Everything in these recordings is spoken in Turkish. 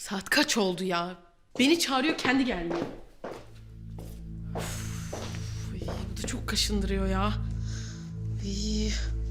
Saat kaç oldu ya? Beni çağırıyor, kendi gelmiyor. Uf, bu da çok kaşındırıyor ya. İyi.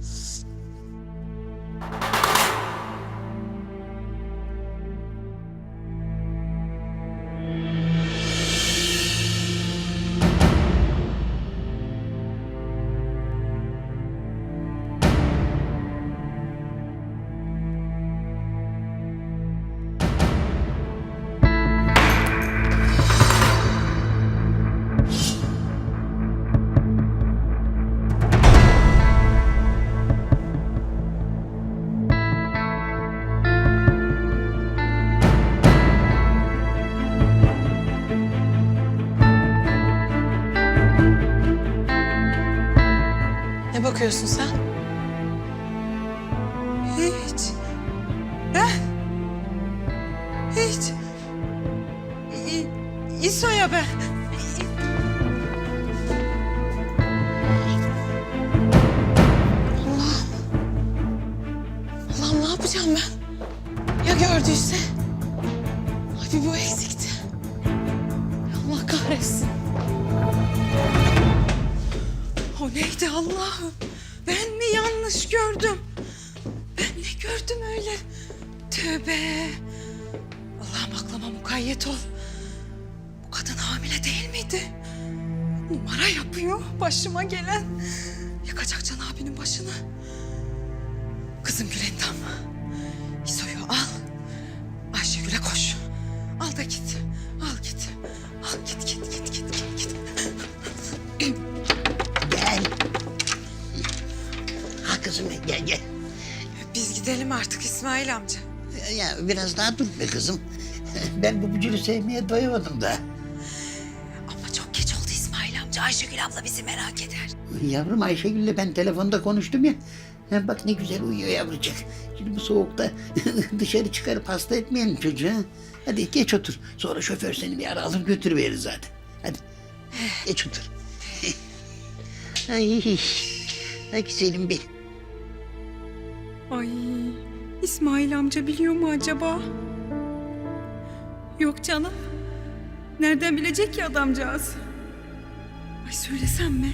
Ne bakıyorsun sen? Hiç. Ben? Hiç. İso'ya ben. Allah'ım ne yapacağım ben? Ya gördüyse? Ay bir bu eksikti. Allah kahretsin. O neydi Allah'ım? Ben mi yanlış gördüm? Ben ne gördüm öyle? Tövbe. Allah'ım aklıma mukayyet ol. Bu kadın hamile değil miydi? Numara yapıyor başıma gelen. Yakacak Can abinin başını. Kızım Gülendam. İso'yu al. Ayşegül'e koş. Al da git. Al git. Al git. Gel. Ha kızım gel. Biz gidelim artık İsmail amca. Ya biraz daha dur be kızım. Ben bu bücürü sevmeye doyamadım da. Ama çok geç oldu İsmail amca. Ayşegül abla bizi merak eder. Yavrum Ayşegül'le ben telefonda konuştum ya. Ha, bak ne güzel uyuyor yavrucak. Şimdi bu soğukta dışarı çıkarıp hasta etmeyelim çocuğu. Ha? Hadi geç otur. Sonra şoför seni bir ara alır götürüverir zaten. Hadi geç otur. Ay güzelim benim. Ay İsmail amca biliyor mu acaba? Yok canım. Nereden bilecek ki adamcağız? Ay söylesem mi?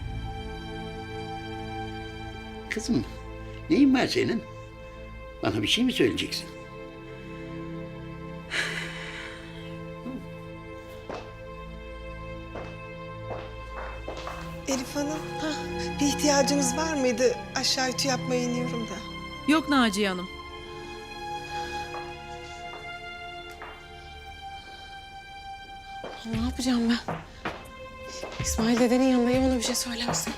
Kızım neyin var senin? Bana bir şey mi söyleyeceksin? Elif Hanım, bir ihtiyacınız var mıydı? Aşağı ütü yapmaya iniyorum da. Yok Naciye Hanım. Ne yapacağım ben? İsmail dedenin yanındayım, ona bir şey söylersin.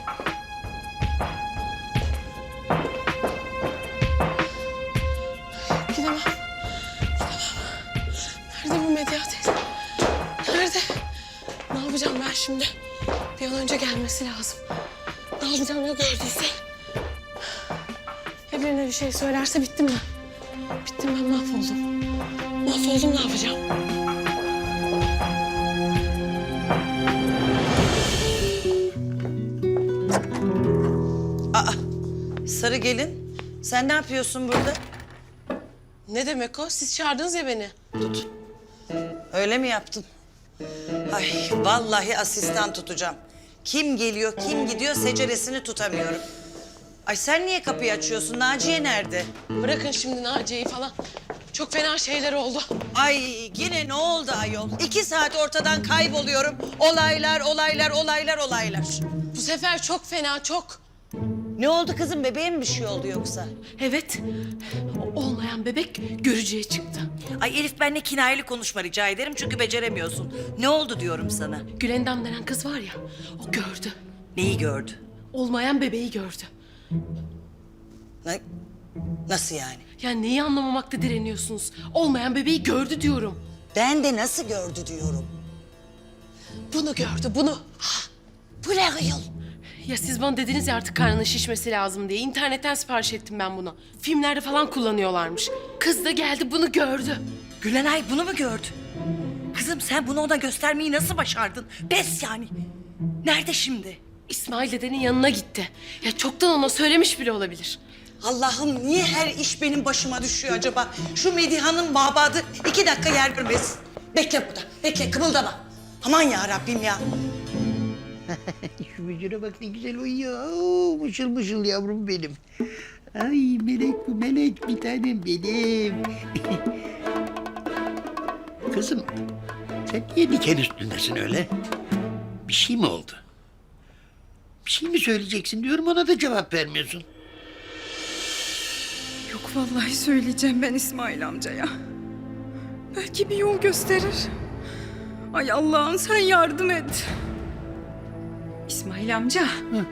Gidemem. Nerede bu Medya teyze? Nerede? Ne yapacağım ben şimdi? Bir an önce gelmesi lazım. Ne yapacağım ya gördüyse? Ya birine bir şey söylerse bittim ben. Bittim ben, mahvoldum. Mahvoldum, ne yapacağım? Sarı gelin, sen ne yapıyorsun burada? Ne demek o? Siz çağırdınız ya beni. Öyle mi yaptın? Ay vallahi asistan tutacağım. Kim geliyor, kim gidiyor seceresini tutamıyorum. Ay sen niye kapıyı açıyorsun? Naciye nerede? Bırakın şimdi Naciye'yi falan. Çok fena şeyler oldu. Ay yine ne oldu ayol? 2 saat ortadan kayboluyorum. Olaylar. Bu sefer çok fena, çok. Ne oldu kızım? Bebeğe mi bir şey oldu yoksa? Evet, o olmayan bebek görücüye çıktı. Ay Elif benimle kinayeli konuşma rica ederim çünkü beceremiyorsun. Ne oldu diyorum sana? Gülendam denen kız var ya, o gördü. Neyi gördü? Olmayan bebeği gördü. Nasıl yani? Ya neyi anlamamakta direniyorsunuz? Olmayan bebeği gördü diyorum. Ben de nasıl gördü diyorum. Bunu gördü, bunu. Bu ne ayol? Ya siz bana dediniz ya artık karnının şişmesi lazım diye. İnternetten sipariş ettim ben bunu. Filmlerde falan kullanıyorlarmış. Kız da geldi, bunu gördü. Gülenay bunu mu gördü? Kızım sen bunu ona göstermeyi nasıl başardın? Pes yani. Nerede şimdi? İsmail dedenin yanına gitti. Ya çoktan ona söylemiş bile olabilir. Allah'ım niye her iş benim başıma düşüyor acaba? Şu Medihan'ın mabadı 2 dakika yer görmesin. Bekle burada, bekle kımıldama. Aman ya Rabbim ya. Şu bücüre bak ne güzel uyuyor. Oo, mışıl mışıl yavrum benim. Ay melek bu melek bir tanem benim. Kızım sen niye diken üstündesin öyle? Bir şey mi oldu? Bir şey mi söyleyeceksin diyorum ona da cevap vermiyorsun. Yok vallahi söyleyeceğim ben İsmail amcaya. Belki bir yol gösterir. Ay Allah'ım sen yardım et. İsmail amca.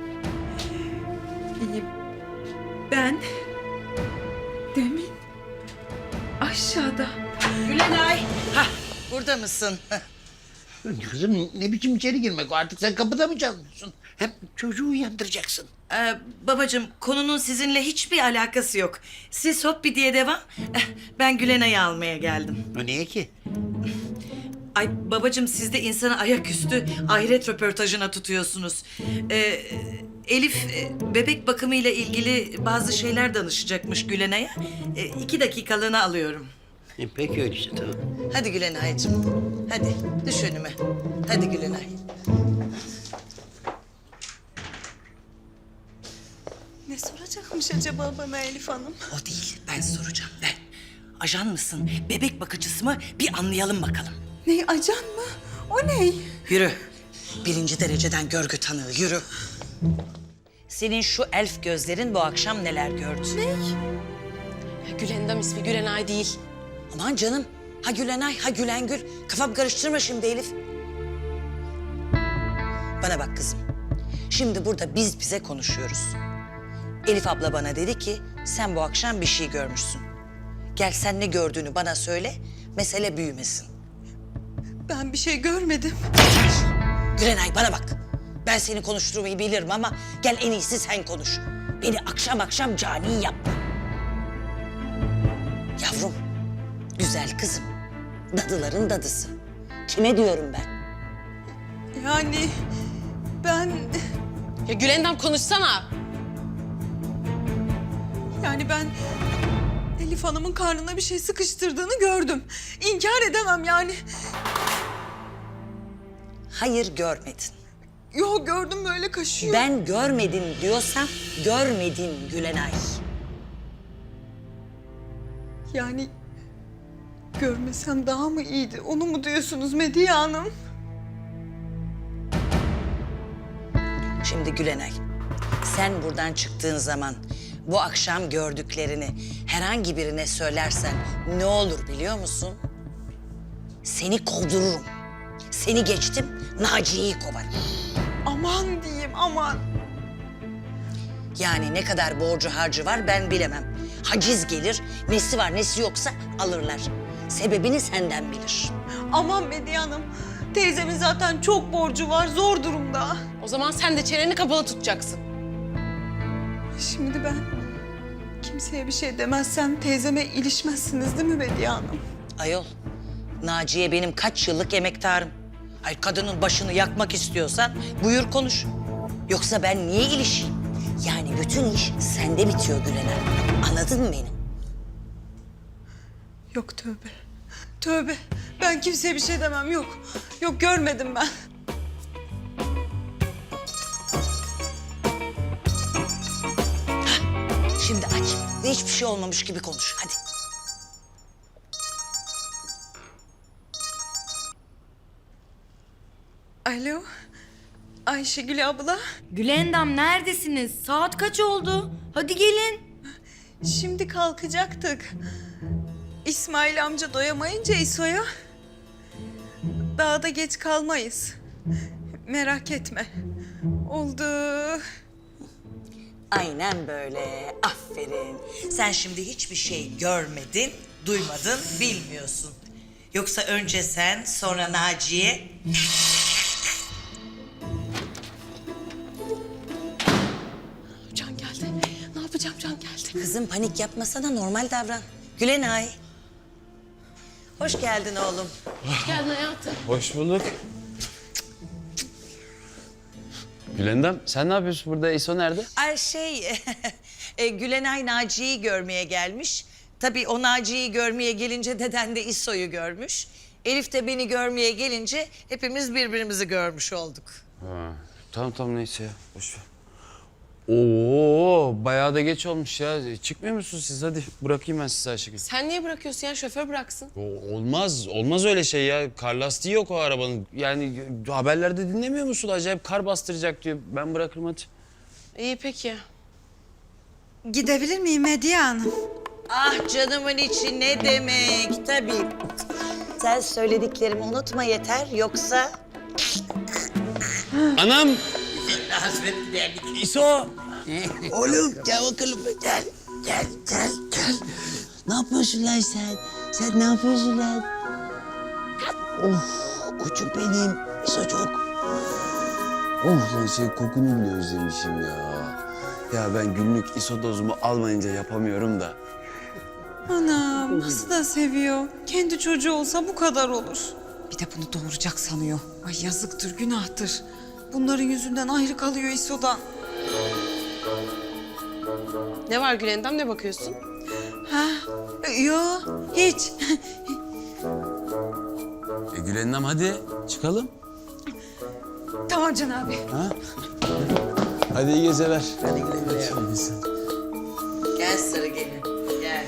Ben demin aşağıda. Gülenay. Hah, burada mısın? Kızım ne biçim içeri girmek o artık sen kapıda mı çalıyorsun? Hem çocuğu uyandıracaksın. Babacığım konunun sizinle hiçbir alakası yok. Siz hoppi diye devam. Ben Gülenay'ı almaya geldim. O niye ki? Ay babacığım siz de insanı ayaküstü ahiret röportajına tutuyorsunuz. Elif bebek bakımıyla ilgili bazı şeyler danışacakmış Gülenay'a. 2 dakikalığına alıyorum. Peki öyleyse tamam. Hadi Gülenay'cığım. Hadi düş önüme. Hadi Gülenay. Ne soracakmış acaba bana Elif Hanım? O değil ben soracağım ben. Ajan mısın bebek bakıcısı mı bir anlayalım bakalım. Ne ajan mı? O ne? Yürü. 1. dereceden görgü tanığı yürü. Senin şu elf gözlerin bu akşam neler gördü? Ya Gülendam ismi Gülenay değil. Aman canım. Ha Gülenay, ha Gülengül. Kafam karıştırma şimdi Elif. Bana bak kızım. Şimdi burada biz bize konuşuyoruz. Elif abla bana dedi ki sen bu akşam bir şey görmüşsün. Gel sen ne gördüğünü bana söyle, mesele büyümesin. Ben bir şey görmedim. Gülenay bana bak. Ben seni konuşturmayı bilirim ama gel en iyisi sen konuş. Beni akşam akşam cani yapma. Yavrum, güzel kızım. Dadıların dadısı. Kime diyorum ben? Yani ben... Ya Gülendam konuşsana. Yani ben Elif Hanım'ın karnına bir şey sıkıştırdığını gördüm. İnkar edemem yani. Hayır görmedin. Yok gördüm böyle kaşıyor. Ben görmedin diyorsam görmedin Gülenay. Yani görmesem daha mı iyiydi? Onu mu diyorsunuz Medya Hanım? Şimdi Gülenay, sen buradan çıktığın zaman bu akşam gördüklerini herhangi birine söylersen ne olur biliyor musun? Seni kovdururum. Seni geçtim, Naciye'yi kovarım. Aman diyeyim aman. Yani ne kadar borcu harcı var ben bilemem. Haciz gelir, nesi var nesi yoksa alırlar. Sebebini senden bilir. Aman Medya Hanım. Teyzemin zaten çok borcu var, zor durumda. O zaman sen de çeneni kapalı tutacaksın. Şimdi ben kimseye bir şey demezsem teyzeme ilişmezsiniz değil mi Medya Hanım? Ayol, Naciye benim kaç yıllık emektarım. Ay kadının başını yakmak istiyorsan buyur konuş. Yoksa ben niye ilişeyim? Yani bütün iş sende bitiyor Gülenay. Anladın mı beni? Yok tövbe. Tövbe. Ben kimseye bir şey demem yok. Yok görmedim ben. Şimdi aç ve hiçbir şey olmamış gibi konuş hadi. Alo. Ayşegül abla. Gülendam neredesiniz? Saat kaç oldu? Hadi gelin. Şimdi kalkacaktık. İsmail amca doyamayınca İso'ya. Daha da geç kalmayız. Merak etme. Oldu. Aynen böyle. Aferin. Sen şimdi hiçbir şey görmedin, duymadın, bilmiyorsun. Yoksa önce sen, sonra Naciye. Can geldi. Ne yapacağım Can geldi. Kızım panik yapmasana, normal davran. Gülenay. Hoş geldin oğlum. Hoş geldin hayatım. Hoş bulduk. Gülendam sen ne yapıyorsun burada? İso nerede? Ay şey, Gülenay Naciye'yi görmeye gelmiş. Tabii o Naciye'yi görmeye gelince deden de İso'yu görmüş. Elif de beni görmeye gelince hepimiz birbirimizi görmüş olduk. Ha, tamam neyse ya. Boş ver. Oo, bayağı da geç olmuş ya. Çıkmıyor musunuz siz? Hadi bırakayım ben sizi Ayşegül. Sen niye bırakıyorsun ya? Şoför bıraksın. Olmaz öyle şey ya. Kar lastiği yok o arabanın. Yani haberlerde dinlemiyor musun? Acayip kar bastıracak diyor. Ben bırakırım hadi. İyi peki. Gidebilir miyim Hediye Hanım? Ah canımın içi ne demek tabii. Sen söylediklerimi unutma yeter yoksa... Anam! İso! Oğlum gel bakalım. Gel. Ne yapıyorsun lan sen? Sen ne yapıyorsun lan? Oh koçum benim. İsocuk. Oh lan şey kokunu bile özlemişim ya. Ya ben günlük iso dozumu almayınca yapamıyorum da. Anam nasıl da seviyor. Kendi çocuğu olsa bu kadar olur. Bir de bunu doğuracak sanıyor. Ay yazıktır, günahtır. Bunların yüzünden ayrı kalıyor İso'dan. Ne var Gülendam, ne bakıyorsun? Ha? Yo, hiç. Gülen'im hadi çıkalım. Tamam Can abi. Hadi iyi geceler. Hadi güle güle. Gel sarı gelin, gel.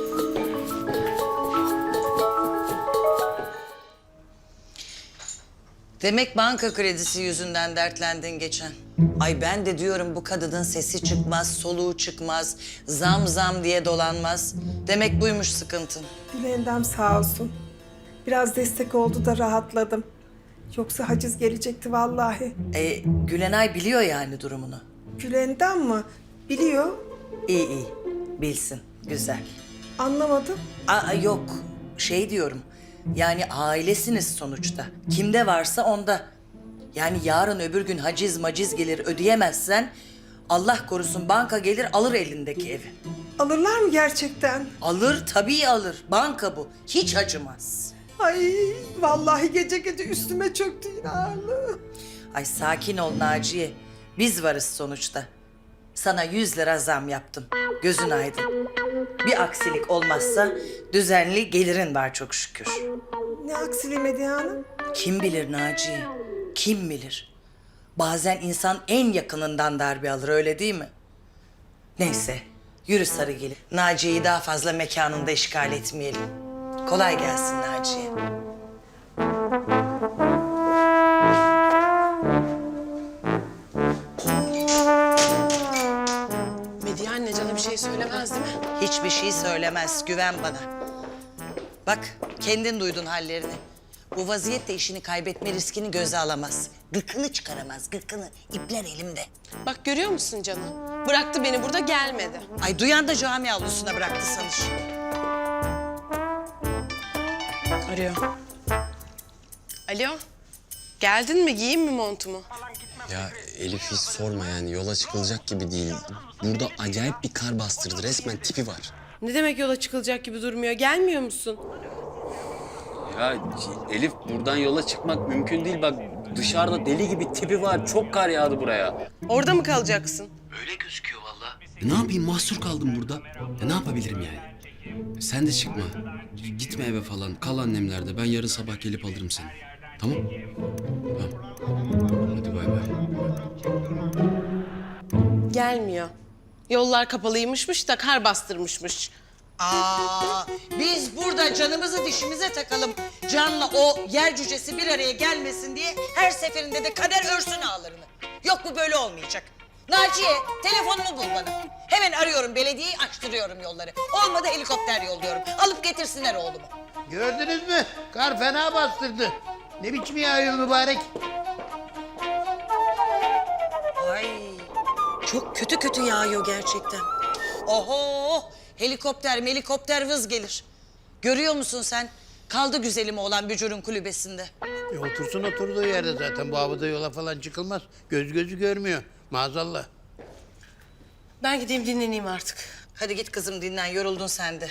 Demek banka kredisi yüzünden dertlendin geçen. Ay ben de diyorum bu kadının sesi çıkmaz, soluğu çıkmaz, zam diye dolanmaz. Demek buymuş sıkıntın. Gülendam sağ olsun. Biraz destek oldu da rahatladım. Yoksa haciz gelecekti vallahi. Gülenay biliyor yani durumunu. Gülendam mı? Biliyor. İyi, bilsin, güzel. Anlamadım. Yok, şey diyorum. Yani ailesiniz sonuçta. Kimde varsa onda. Yani yarın öbür gün haciz maciz gelir ödeyemezsen... Allah korusun banka gelir alır elindeki evi. Alırlar mı gerçekten? Alır tabii alır. Banka bu. Hiç acımaz. Ay vallahi gece gece üstüme çöktü yine ağırlığı. Ay sakin ol Naciye. Biz varız sonuçta. Sana 100 lira zam yaptım. Gözün aydın. Bir aksilik olmazsa düzenli gelirin var çok şükür. Ne aksiliği Medya Hanım? Kim bilir Naciye? Kim bilir? Bazen insan en yakınından darbe alır öyle değil mi? Neyse yürü Sarıgil. Naciye'yi daha fazla mekanında işgal etmeyelim. Kolay gelsin Naciye. Medya anne cana bir şey söylemez değil mi? Hiçbir şey söylemez, güven bana. Bak, kendin duydun hallerini. Bu vaziyette işini kaybetme riskini göze alamaz. Gıkını çıkaramaz, gıkını. İpler elimde. Bak görüyor musun canım? Bıraktı beni burada, gelmedi. Ay duyan da cami avlusuna bıraktı sanır. Arıyor. Alo. Geldin mi? Giyeyim mi montumu? Ya Elif hiç sorma yani yola çıkılacak gibi değil. Burada acayip bir kar bastırdı. Resmen tipi var. Ne demek yola çıkılacak gibi durmuyor? Gelmiyor musun? Ya Elif buradan yola çıkmak mümkün değil. Bak dışarıda deli gibi tipi var. Çok kar yağdı buraya. Orada mı kalacaksın? Ne yapayım mahsur kaldım burada. Ne yapabilirim yani? Sen de çıkma. Gitme eve falan. Kal annemlerde. Ben yarın sabah gelip alırım seni. Tamam? Tamam. Hadi bay bay. Gelmiyor. Yollar kapalıymışmış da kar bastırmışmış. Biz burada canımızı dişimize takalım. Can'la o yer cücesi bir araya gelmesin diye her seferinde de kader örsün ağlarını. Yok bu böyle olmayacak. Naciye telefonumu bul bana. Hemen arıyorum belediyeyi, açtırıyorum yolları. Olmadı helikopter yolluyorum. Alıp getirsinler oğlumu. Gördünüz mü? Kar fena bastırdı. Ne biçim yağıyor mübarek? Ay çok kötü yağıyor gerçekten. Oho helikopter vız gelir. Görüyor musun sen? Kaldı güzelim olan Bücür'ün kulübesinde. Otursun oturduğu yerde zaten. Bu havada yola falan çıkılmaz. Gözü görmüyor. Maazallah. Ben gideyim dinleneyim artık. Hadi git kızım dinlen, yoruldun sen de.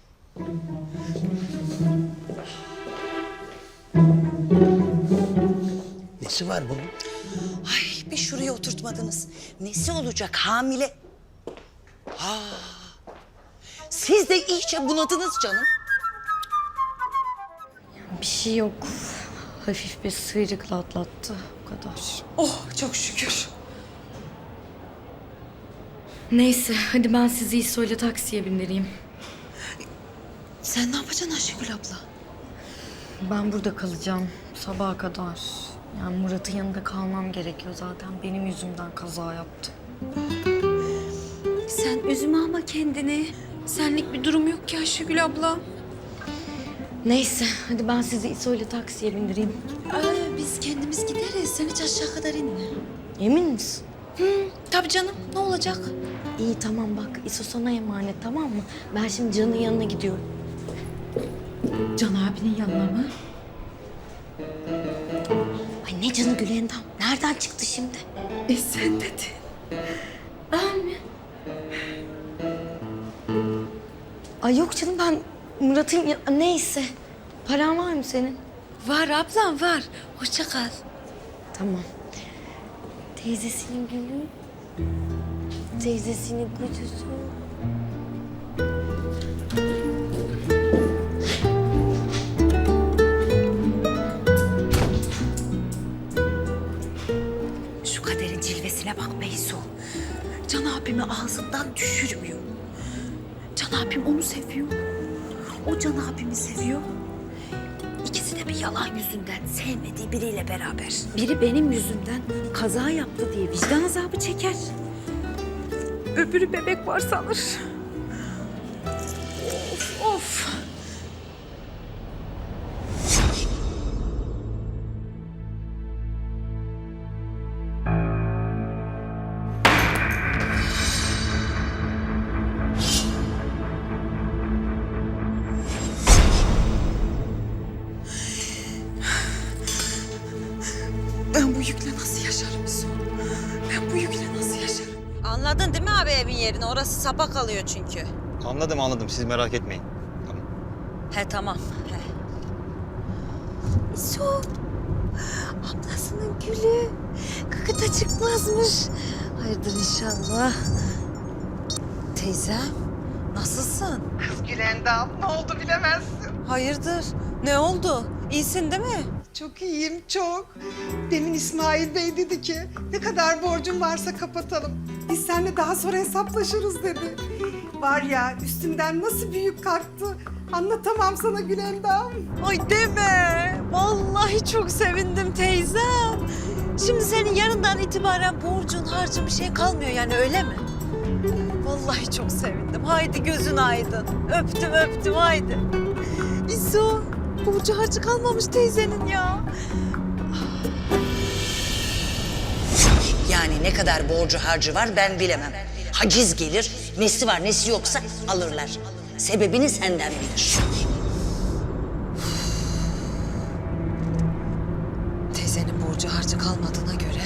Nesi var bunun? Ay bir şuraya oturtmadınız. Nesi olacak hamile? Ha Siz de iyice bunadınız canım. Bir şey yok. Hafif bir sıyrıkla atlattı. O kadar. Oh çok şükür. Neyse hadi ben sizi İso'yla taksiye bindireyim. Sen ne yapacaksın Ayşegül abla? Ben burada kalacağım sabaha kadar. Yani Murat'ın yanında kalmam gerekiyor zaten. Benim yüzümden kaza yaptı. Sen üzme ama kendini. Senlik bir durum yok ki Ayşegül abla. Neyse hadi ben sizi İso'yla taksiye bindireyim. Biz kendimiz gideriz. Sen hiç aşağı kadar inme. Emin misin? Tabii canım. Ne olacak? İyi tamam bak İso sana emanet tamam mı? Ben şimdi Can'ın yanına gidiyorum. Can abinin yanına mı? Ay ne Can'ı Gülendam? Nereden çıktı şimdi? Sen dedin. Ben mi? Ay yok canım ben Murat'ın neyse. Paran var mı senin? Var ablam var. Hoşça kal. Tamam. Teyzesinin gülü. Teyzesinin kuzusu. Şu kaderin cilvesine bak Beyzo. Can abimi ağzından düşürmüyor. Can abim onu seviyor. O Can abimi seviyor. İkisi de bir yalan yüzünden sevmediği biriyle beraber. Biri benim yüzümden kaza yaptı diye vicdan azabı çeker. Öbürü bebek var sanır. Of of. Ben bu yükle nasıl yaşarım İso? Ben bu yükle nasıl yaşarım? Anladın değil mi abi evin yerini? Orası sapa kalıyor çünkü. Anladım. Siz merak etmeyin. Tamam. He tamam. He. İso. Ablasının gülü. Kakıta çıkmazmış. Hayırdır inşallah. Teyzem, nasılsın? Kız Gülendam ne oldu bilemezsin. Hayırdır? Ne oldu? İyisin değil mi? Çok iyiyim çok. Demin İsmail Bey dedi ki ne kadar borcum varsa kapatalım. Biz seninle daha sonra hesaplaşırız dedi. Var ya üstümden nasıl büyük kalktı. Anlatamam sana Gülendam. Ay deme. Vallahi çok sevindim teyzem. Şimdi senin yarından itibaren borcun, harcın bir şey kalmıyor yani öyle mi? Vallahi çok sevindim. Haydi gözün aydın. Öptüm haydi. İso, borcu harcı kalmamış teyzenin ya. Yani ne kadar borcu harcı var ben bilemem. Haciz gelir, nesi var nesi yoksa alırlar. Sebebini senden bilir. Teyzenin borcu harcı kalmadığına göre...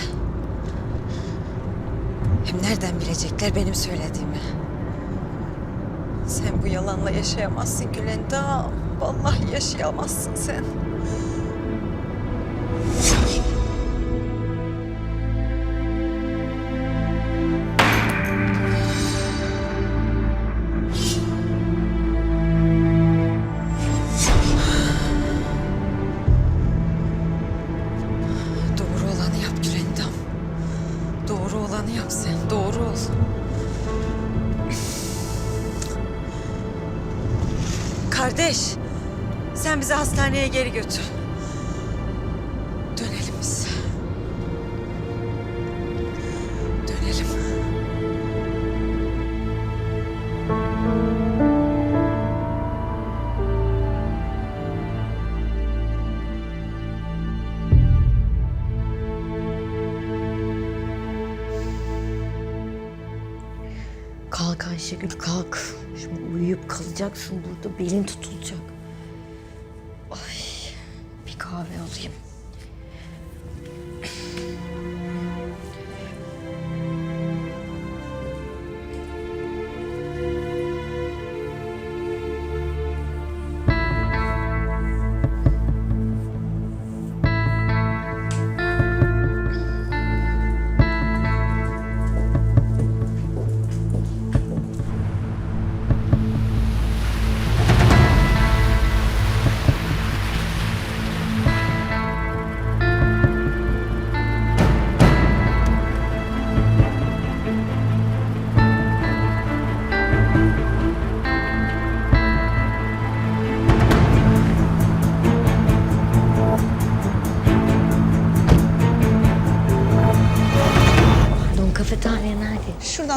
Hem nereden bilecekler benim söylediğimi? Sen bu yalanla yaşayamazsın Gülendam. Vallahi yaşayamazsın sen. Doğru olanı yap Gülendam. Doğru olanı yap sen. Doğru ol. Kardeş, sen bizi hastaneye geri götür. Dönelim biz. Dönelim. Kalk Ayşegül kalk. Şimdi uyuyup kalacaksın burada belin tutulacak. Ay bir kahve alayım.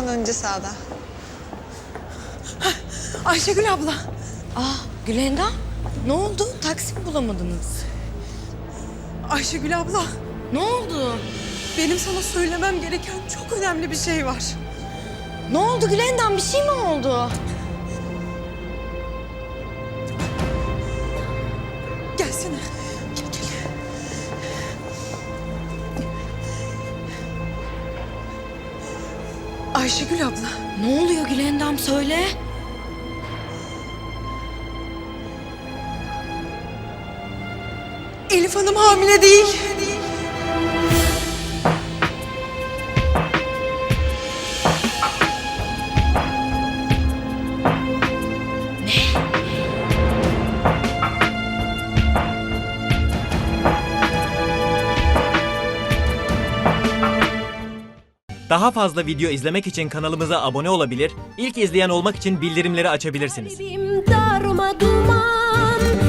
Sağdan önce sağda. Ayşegül abla. Gülendam, ne oldu? Taksi mi bulamadınız? Ayşegül abla. Ne oldu? Benim sana söylemem gereken çok önemli bir şey var. Ne oldu Gülendam? Bir şey mi oldu? Gelsene. Gel gel. Ayşegül abla. Ne oluyor Gülendam? Söyle. Elif Hanım hamile değil. Daha fazla video izlemek için kanalımıza abone olabilir, ilk izleyen olmak için bildirimleri açabilirsiniz. Darma duman